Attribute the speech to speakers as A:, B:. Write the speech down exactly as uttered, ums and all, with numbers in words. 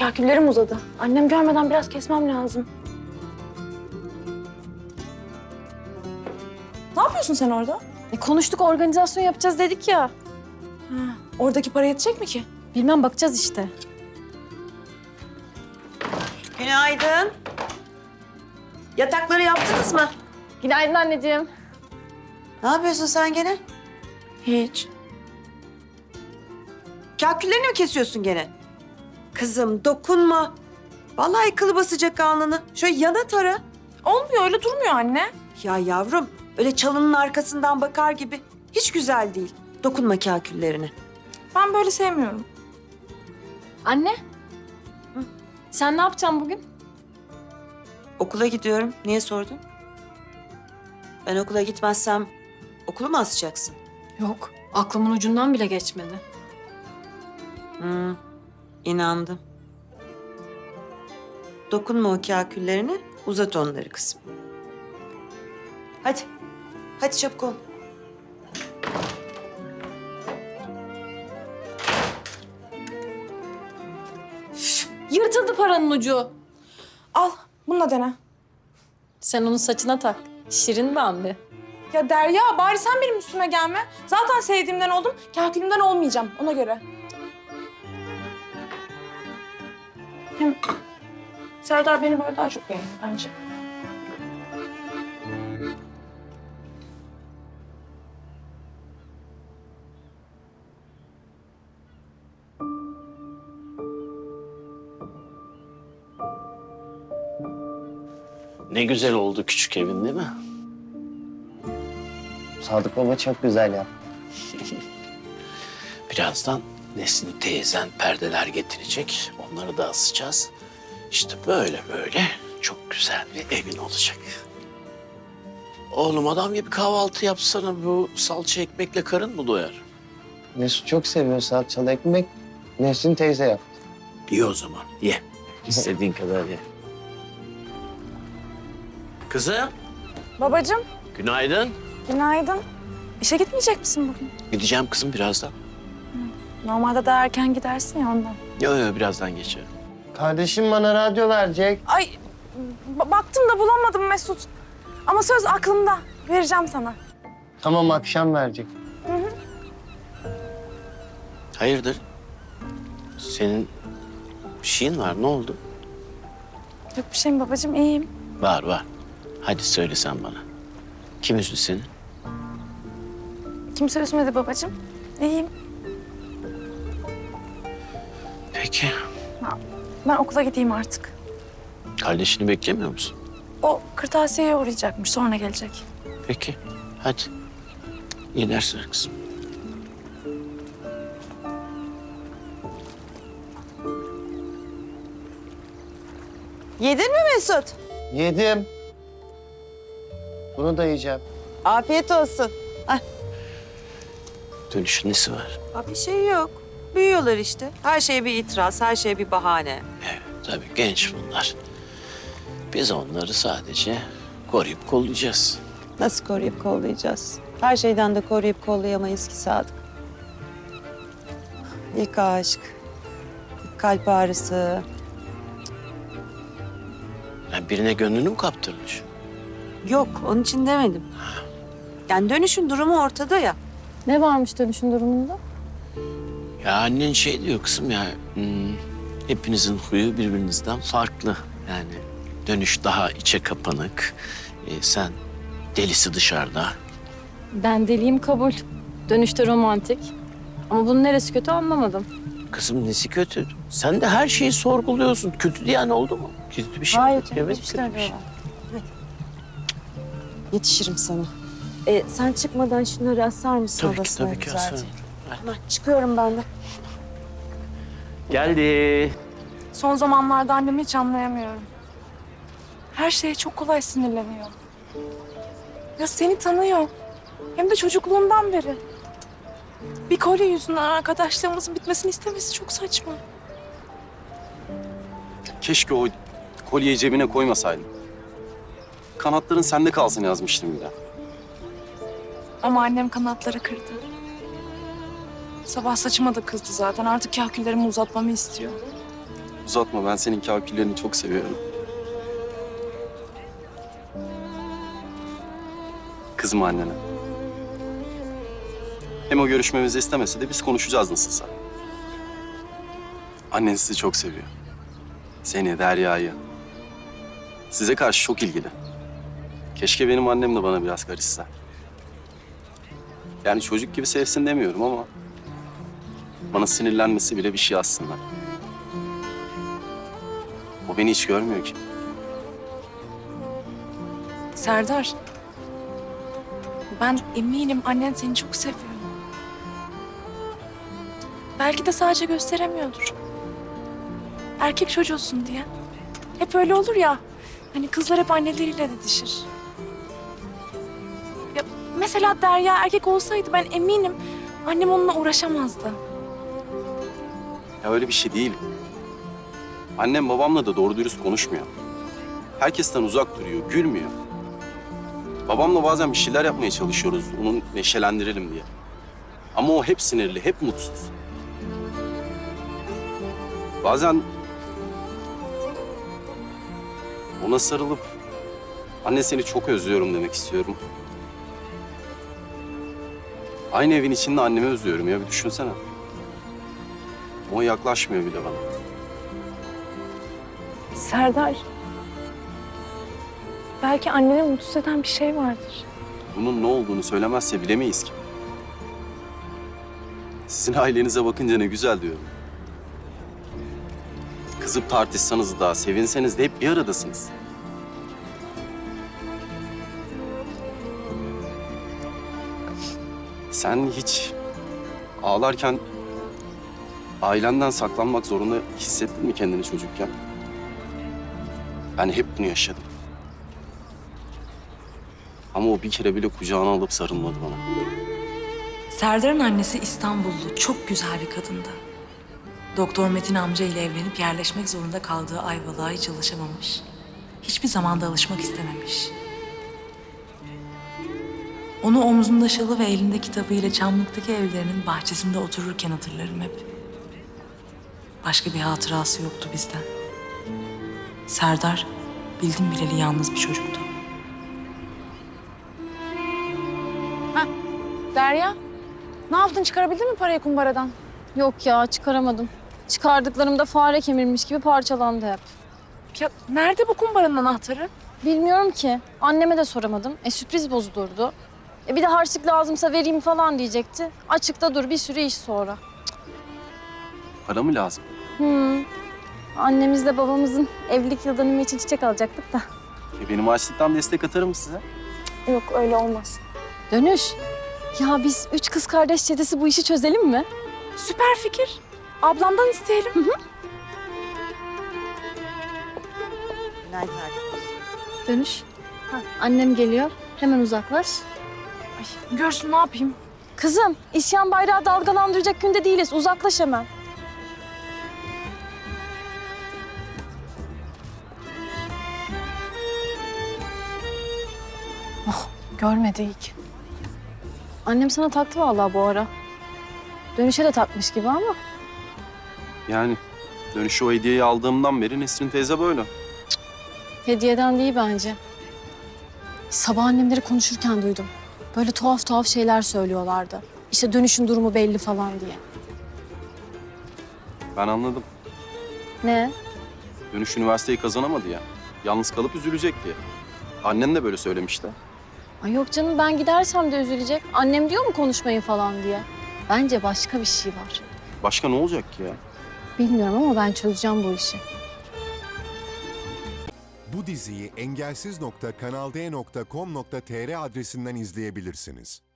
A: Kaküllerim uzadı. Annem görmeden biraz kesmem lazım. Ne yapıyorsun sen orada?
B: E, konuştuk, organizasyon yapacağız dedik ya.
A: Ha, oradaki para yetecek mi ki?
B: Bilmem, bakacağız işte.
C: Günaydın. Yatakları yaptınız mı?
B: Günaydın anneciğim.
C: Ne yapıyorsun sen gene?
A: Hiç.
C: Kaküllerini mi kesiyorsun gene? Kızım dokunma. Vallahi kılı basacak alnını. Şöyle yana tara.
A: Olmuyor, öyle durmuyor anne.
C: Ya yavrum öyle çalının arkasından bakar gibi. Hiç güzel değil. Dokunma kaküllerine.
A: Ben böyle sevmiyorum.
B: Anne. Hı. Sen ne yapacaksın bugün?
C: Okula gidiyorum. Niye sordun? Ben okula gitmezsem okulu mu asacaksın?
B: Yok, aklımın ucundan bile geçmedi.
C: Hmm, inandım. Dokunma o kaküllerine, uzat onları kızım. Hadi, hadi çabuk ol.
B: Yırtıldı paranın ucu.
A: Al, bununla dene.
B: Sen onu saçına tak. Şirin Bambi.
A: Ya Derya, bari sen benim üstüme gelme. Zaten sevdiğimden oldum, kakülümden olmayacağım ona göre. Hem Serdar beni böyle daha çok beğenir bence.
D: Ne güzel oldu küçük evin değil mi?
E: Sadık Baba çok güzel ya.
D: Birazdan Nesli teyzen perdeler getirecek. Onları da asacağız. İşte böyle böyle çok güzel bir evin olacak. Oğlum adam gibi kahvaltı yapsana. Bu salça ekmekle karın mı doyar?
E: Mesut çok seviyor salçalı ekmek. Nesrin teyze yaptı.
D: İyi o zaman ye. İstediğin kadar ye. Kızım
A: Babacığım,
D: günaydın.
A: günaydın. İşe gitmeyecek misin bugün?
D: Gideceğim kızım birazdan.
A: Normalde daha erken gidersin ya ondan.
D: Yok yok birazdan geçerim.
E: Kardeşim bana radyo verecek.
A: Ay, ba- baktım da bulamadım Mesut. Ama söz aklımda. Vereceğim sana.
E: Tamam akşam verecek.
D: Hayırdır? Senin bir şeyin var ne oldu?
A: Yok bir şeyim babacığım, iyiyim.
D: Var var. Hadi söyle sen bana. Kim üzdü seni?
A: Kimse üzmedi babacığım. İyiyim.
D: Peki.
A: Ben okula gideyim artık.
D: Kardeşini beklemiyor musun?
A: O kırtasiyeye uğrayacakmış, sonra gelecek.
D: Peki. Hadi. İyi dersler kızım.
C: Yedin mi Mesut?
E: Yedim. Bunu da yiyeceğim.
C: Afiyet olsun.
D: Dönüşün nesi var?
C: Aa, bir şey yok. Büyüyorlar işte. Her şeye bir itiraz, her şeye bir bahane.
D: Evet tabii genç bunlar. Biz onları sadece koruyup kollayacağız.
C: Nasıl koruyup kollayacağız? Her şeyden de koruyup kollayamayız ki Sadık. İlk aşk, ilk kalp ağrısı.
D: Yani birine gönlünü mü kaptırmış?
C: Yok, onun için demedim. Yani dönüşün durumu ortada ya.
B: Ne varmış dönüşün durumunda?
D: Ya annen şey diyor kızım ya... Hmm, hepinizin huyu birbirinizden farklı. Yani dönüş daha içe kapanık. Ee, sen delisi dışarıda.
B: Ben deliyim, kabul. Dönüşte romantik. Ama bunun neresi kötü anlamadım.
D: Kızım nesi kötü? Sen de her şeyi sorguluyorsun. Kötü diyen oldu mu? Kötü bir şey.
C: Hayır,
D: Evet,
C: hiçbir
D: kötü
C: şey
D: bir şey.
C: yok. Yetişirim sana. Ee, sen çıkmadan şunları asar mısın
D: Tabii ki,
C: odasına
D: tabii ki
C: güzelce?
D: asarım.
C: Tamam, çıkıyorum ben de.
D: Geldi.
A: Son zamanlarda annemi hiç anlayamıyorum. Her şeye çok kolay sinirleniyor. Ya seni tanıyor. Hem de çocukluğundan beri. Bir kolye yüzünden arkadaşlığımızın bitmesini istemesi çok saçma.
F: Keşke o kolyeyi cebine koymasaydın. Kanatların sende kalsın yazmıştım bir de.
A: Ama annem kanatları kırdı. Sabah saçıma da kızdı zaten. Artık kahküllerimi uzatmamı istiyor.
F: Uzatma, ben senin kaküllerini çok seviyorum. Kızma annene. Hem o görüşmemizi istemese de biz konuşacağız nasılsa. Annen sizi çok seviyor. Seni, Derya'yı. Size karşı çok ilgili. Keşke benim annem de bana biraz karışsa. Yani çocuk gibi sevsin demiyorum ama... bana sinirlenmesi bile bir şey aslında. O beni hiç görmüyor ki.
A: Serdar. Ben eminim annen seni çok seviyor. Belki de sadece gösteremiyordur. Erkek çocuğusun diye. Hep öyle olur ya. Hani kızlar hep anneleriyle didişir. Ya mesela Derya erkek olsaydı ben eminim annem onunla uğraşamazdı.
F: Ya öyle bir şey değil. Annem babamla da doğru dürüst konuşmuyor. Herkesten uzak duruyor, gülmüyor. Babamla bazen bir şeyler yapmaya çalışıyoruz, onu neşelendirelim diye. Ama o hep sinirli, hep mutsuz. Bazen ona sarılıp anne seni çok özlüyorum demek istiyorum. Aynı evin içinde annemi özlüyorum ya, bir düşünsene. O yaklaşmıyor bile bana.
A: Serdar. Belki anneni mutsuz eden bir şey vardır.
F: Bunun ne olduğunu söylemezse bilemeyiz ki. Sizin ailenize bakınca ne güzel diyorum. Kızıp tartışsanız da, sevinseniz de hep bir aradasınız. Sen hiç ağlarken ailenden saklanmak zorunda hissettin mi kendini çocukken? Ben hep bunu yaşadım. Ama o bir kere bile kucağına alıp sarılmadı bana.
G: Serdar'ın annesi İstanbullu, çok güzel bir kadındı. Doktor Metin amca ile evlenip yerleşmek zorunda kaldığı Ayvalık'a hiç alışamamış. Hiçbir zaman da alışmak istememiş. Onu omzunda şalı ve elinde kitabıyla Çamlık'taki evlerinin bahçesinde otururken hatırlarım hep. Başka bir hatırası yoktu bizden. Serdar, bildim bileli yalnız bir çocuktu.
A: Derya, ne yaptın? Çıkarabildin mi parayı kumbaradan?
B: Yok ya, çıkaramadım. Çıkardıklarımda fare kemirmiş gibi parçalandı hep.
A: Ya nerede bu kumbaranın anahtarı?
B: Bilmiyorum ki. Anneme de soramadım. E sürpriz bozulurdu. E bir de harçlık lazımsa vereyim falan diyecekti. Açıkta dur, bir sürü iş sonra.
F: Para mı lazım?
B: Hmm. Annemizle babamızın evlilik yıl dönümü için çiçek alacaktık da.
F: E benim açlıktan destek atarım size.
A: Yok öyle olmaz.
B: Dönüş. Ya biz üç kız kardeş çetesi bu işi çözelim mi?
A: Süper fikir. Ablamdan isteyelim.
C: Günaydın arkadaşlar.
B: Dönüş. Annem geliyor. Hemen uzaklaş.
A: Ay, görsün ne yapayım?
B: Kızım, isyan bayrağı dalgalandıracak günde değiliz. Uzaklaş hemen. Oh, görmedi iyi ki. Annem sana taktı vallahi bu ara. Dönüşe de takmış gibi ama.
F: Yani dönüşü o hediyeyi aldığımdan beri Nesrin teyze böyle.
B: Hediyeden değil bence. Sabah annemleri konuşurken duydum. Böyle tuhaf tuhaf şeyler söylüyorlardı. İşte dönüşün durumu belli falan diye.
F: Ben anladım.
B: Ne?
F: Dönüş üniversiteyi kazanamadı ya. Yalnız kalıp üzülecek diye. Annen de böyle söylemişti.
B: Ay yok canım, ben gidersem de üzülecek. Annem diyor mu konuşmayın falan diye. Bence başka bir şey var.
F: Başka ne olacak ki ya?
B: Bilmiyorum ama ben çözeceğim bu işi.
H: Bu diziyi engelsiz nokta kanal d nokta com nokta tr adresinden izleyebilirsiniz.